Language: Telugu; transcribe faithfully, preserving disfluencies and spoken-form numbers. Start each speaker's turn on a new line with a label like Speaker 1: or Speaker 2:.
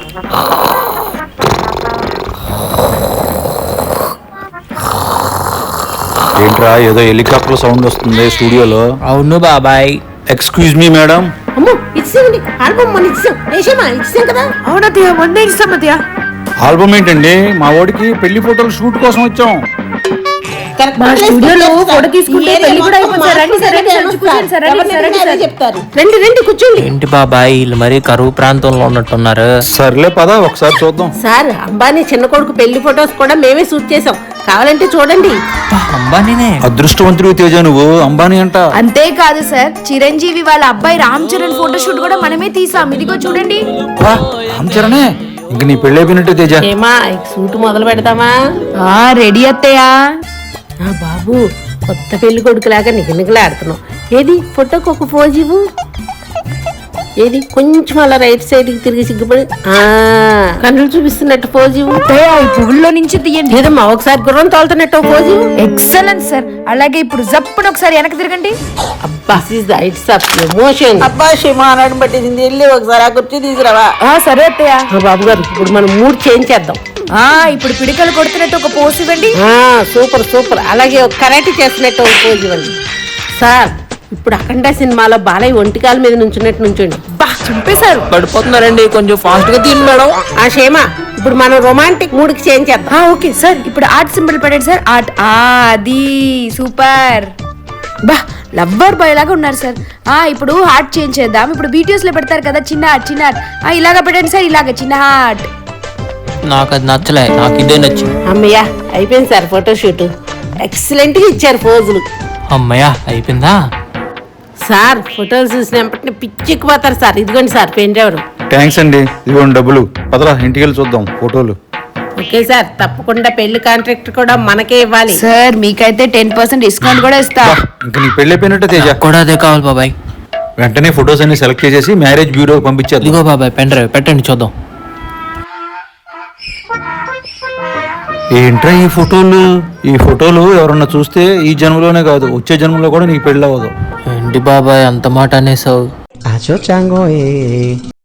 Speaker 1: ఏంట్రా ఏదో హెలికాప్టర్ సౌండ్ వస్తుంది స్టూడియోలో?
Speaker 2: అవును బాబాయ్.
Speaker 1: Excuse me madam.
Speaker 3: అమ్మో ఇచ్చేయండి ఆల్బమ్ మన ఇచ్చాం వేసేమా ఇచ్చాం కదా.
Speaker 4: అవునదయ్యా మొన్నే ఇస్తాం అదయ్యా.
Speaker 1: ఆల్బమ్ ఏంటండి? మా వాడికి పెళ్లి ఫోటోలు షూట్ కోసం వచ్చాం.
Speaker 4: మా స్టూడియోలో ఫోటో తీసుకుంటే పెళ్లి కూడా అయిపోతుంది. రండి సార్, రండి సార్, కూర్చోండి సార్, రండి సార్, రండి సార్.
Speaker 3: చెప్తారు. రండి రండి కూర్చోండి.
Speaker 2: ఏంటి బాబాయ్ వీళ్ళు మరీ కరువు ప్రాంతంలో ఉన్నట్టున్నారు.
Speaker 1: సర్లే పద ఒకసారి చూద్దాం.
Speaker 3: సార్ అంబానీ చిన్న కొడుకు పెళ్లి ఫొటోస్ కూడా మేమే షూట్ చేసాం, కావాలంటే చూడండి.
Speaker 2: అంబానీనే.
Speaker 1: అదృష్టవంతుడు తేజ, నువ్వు అంబానీ అంట.
Speaker 4: అంతేకాదు సార్, చిరంజీవి వాళ్ళ అబ్బాయి రామ్ చరణ్ ఫోటోషూట్ కూడా మనమే తీసాం. ఇదిగో చూడండి.
Speaker 1: రామ్ చరణే, ఇంక నీ పెళ్లి అయిపోయినట్టే తేజ.
Speaker 3: ఏమా షూట్ మొదలు పెడతామా?
Speaker 4: రెడీ అత్తయ్యా.
Speaker 3: బాబు కొత్త పెళ్లి కొడుకులాగా నిగనిగలాడుతున్నావు. ఏది ఫోటోకి ఒక పోజ్ ఇవ్వు. ఏది కొంచెం అలా రైట్ సైడ్ కి తిరిగి సిగ్గుపడి కన్నులు చూపిస్తున్నట్టు పోజ్ ఇవ్వు.
Speaker 4: ఈ పువ్వుల్లో నుంచి తీయండి.
Speaker 3: ఏదమ్మా ఒకసారి గుర్రం తోలుతున్నట్టు ఒక పోజ్ ఇవ్వు.
Speaker 4: Excellent sir. అలాగే ఇప్పుడు జప్పున ఒకసారి వెనక్కి తిరగండి.
Speaker 3: అబ్బా ఇట్స్ ఆఫ్ ఎమోషన్. అబ్బా షిమానాడు పట్టేసింది, వెళ్ళి ఒకసారి ఆ కుర్చీ తీసుకురావా.
Speaker 4: సరే అత్తయ్య.
Speaker 3: బాబు గారు ఇప్పుడు మనం మూడ్ చేంజ్ చేద్దాం.
Speaker 4: ఆ ఇప్పుడు పిడికలు కొడుతున్నట్టు ఒక పోజ్ ఇవ్వండి.
Speaker 3: Super super. అలాగే ఒక కరాటే చేస్తున్నట్టు ఒక పోజ్ ఇవ్వండి. సార్ ఇప్పుడు అఖండ సినిమాలో బాలయ్య ఒంటికాల మీద నుంచున్నట్టు నుంచోండి.
Speaker 4: బా చంపేశారు.
Speaker 2: పడిపోతున్నారండి, కొంచెం ఫాస్ట్ గా తీయండి మేడం.
Speaker 3: ఆ షేమ ఇప్పుడు మనం రొమాంటిక్ మూడ్ కి చేంజ్ చేద్దాం.
Speaker 4: Okay sir. ఇప్పుడు ఆర్ట్ సింబల్ పెట్టండి సార్. ఆర్ట్ అది సూపర్. బా లవ్వర్ బాయ్ లాగా ఉన్నారు సార్. ఆ ఇప్పుడు హార్ట్ చేంజ్ చేద్దాం. ఇప్పుడు బీటీఎస్ లో పెడతారు కదా చిన్న హార్ట్, చిన్న హార్ట్. ఆ ఇలాగా పెట్టండి సార్, ఇలాగా చిన్న హార్ట్.
Speaker 2: నాకు అది నచ్చలే, నాకు ఇదే నచ్చింది.
Speaker 3: అమ్మయ్యా అయిపోయింది సార్ ఫోటోషూట్. ఎక్సలెంట్ గా ఇచ్చారు పోజులు.
Speaker 2: అమ్మయ్యా అయిపోయిందా?
Speaker 3: సార్ ఫోటోలు చూసినప్పటిని పిచ్చెక్కిపోతారు సార్. ఇదిగోండి సార్ పెన్ డ్రైవర్.
Speaker 1: థ్యాంక్స్ అండి, ఇదిగోండి డబ్బులు. పదరా ఇంటికి వెళ్ళి చూద్దాం ఫోటోలు.
Speaker 3: ఓకే సార్, తప్పకుండా పెళ్లి కాంట్రాక్ట్ కూడా మనకే ఇవ్వాలి
Speaker 4: సార్. మీకైతే టెన్ పర్సెంట్ డిస్కౌంట్ కూడా ఇస్తా.
Speaker 1: ఇంకా నీ పెళ్లి అయిపోయినట్టే తేజ.
Speaker 2: కూడా అదే కావాలి బాబాయ్.
Speaker 1: వెంటనే ఫొటోస్ అన్ని సెలెక్ట్ చేసేసి మ్యారేజ్ బ్యూరోకి పంపించేది.
Speaker 2: ఇదిగో బాబాయ్ పెన్ డ్రైవ్ పెట్టండి చూద్దాం.
Speaker 1: ఏంట్రా ఈ ఫోటోలు? ఈ ఫోటోలు ఎవరన్నా చూస్తే ఈ జన్మలోనే కాదు వచ్చే జన్మలో కూడా నీకు పెళ్ళి అవ్వదు.
Speaker 2: ఏంటి బాబాయ్ అంత మాట అనేసావు?